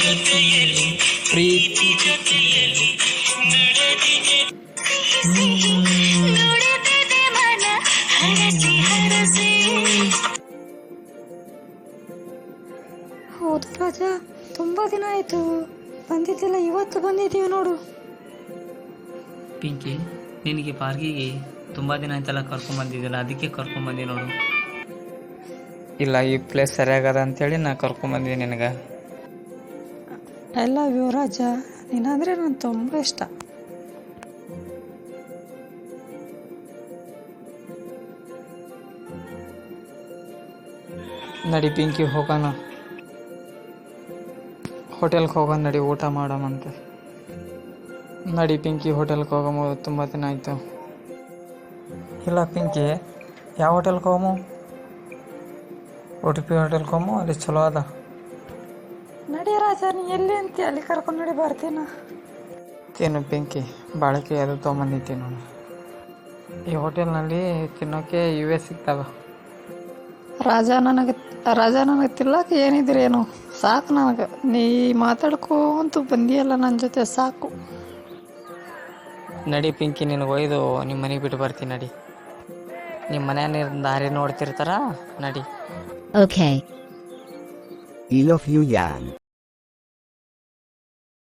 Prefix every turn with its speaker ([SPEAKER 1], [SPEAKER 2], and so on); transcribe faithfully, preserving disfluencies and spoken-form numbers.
[SPEAKER 1] ಪ್ರೀತಿ
[SPEAKER 2] ಹೌದು ರಾಜ, ತುಂಬ ದಿನ ಆಯಿತು ಬಂದಿದ್ದಿಲ್ಲ, ಇವತ್ತು ಬಂದಿದ್ದೀವಿ ನೋಡು.
[SPEAKER 1] ಪಿಂಕಿ, ನಿನಗೆ ಪಾರ್ಕಿಗೆ ತುಂಬ ದಿನ ಆಯ್ತಲ್ಲ ಕರ್ಕೊಂಬಂದಿದ್ದಿಲ್ಲ, ಅದಕ್ಕೆ ಕರ್ಕೊಂಬಂದಿ ನೋಡು. ಇಲ್ಲ, ಈ ಪ್ಲೇಸ್ ಸರಿಯಾಗದ ಅಂತೇಳಿ ನಾ ಕರ್ಕೊಂಬಂದಿದ್ದೆ ನಿನಗೆ.
[SPEAKER 2] ಐ ಲವ್ ಯು ರಾಜ, ನೀನಂದರೆ ನನಗೆ ತುಂಬ ಇಷ್ಟ.
[SPEAKER 1] ನಡಿ ಪಿಂಕಿ, ಹೋಗೋಣ. ಹೋಟೆಲ್ಗೆ ಹೋಗೋಣ ನಡಿ, ಊಟ ಮಾಡೋಣಂತೆ. ನಡಿ ಪಿಂಕಿ, ಹೋಟೆಲ್ಗೆ ಹೋಗಮು, ತುಂಬ ದಿನ ಆಯಿತು. ಇಲ್ಲ ಪಿಂಕಿ, ಯಾವ ಹೋಟೆಲ್ಗೆ ಹೋಗಮು? ಉಡುಪಿ ಹೋಟೆಲ್ಗೆ ಹೋಗಮು, ಅಲ್ಲಿ ಚಲೋ ಅದ.
[SPEAKER 2] ನಡಿ ರಾಜ, ನೀ ಎಲ್ಲಿ ಅಂತೀಯ ಅಲ್ಲಿ ಕರ್ಕೊಂಡು ನಡಿ, ಬರ್ತೀನ.
[SPEAKER 1] ಏನು ಪಿಂಕಿ, ಬಾಳಿಕೆ ಅದು ತೊಗೊಂಬಂದಿದ್ದೆ ನಾನು. ಈ ಹೋಟೆಲ್ನಲ್ಲಿ ತಿನ್ನೋಕ್ಕೆ ಇವೇ ಸಿಗ್ತಾವೆ.
[SPEAKER 2] ರಾಜ ನನಗೆ ರಾಜ ನನಗೆ ತಿನ್ನಕ್ಕೆ ಏನಿದ್ರೇನು ಸಾಕು ನನಗೆ. ನೀ ಮಾತಾಡ್ಕೊಂತು ಬಂದಿಯಲ್ಲ ನನ್ನ ಜೊತೆ, ಸಾಕು.
[SPEAKER 1] ನಡಿ ಪಿಂಕಿ, ನಿನಗೆ ಒಯ್ದು ನಿಮ್ಮ ಮನೆಗೆ ಬಿಟ್ಟು ಬರ್ತೀನಿ ನಡಿ. ನಿಮ್ಮ ಮನೆಯ ದಾರಿ ನೋಡ್ತಿರ್ತಾರ, ನಡಿ.
[SPEAKER 3] Okay.
[SPEAKER 4] I love you, Jan.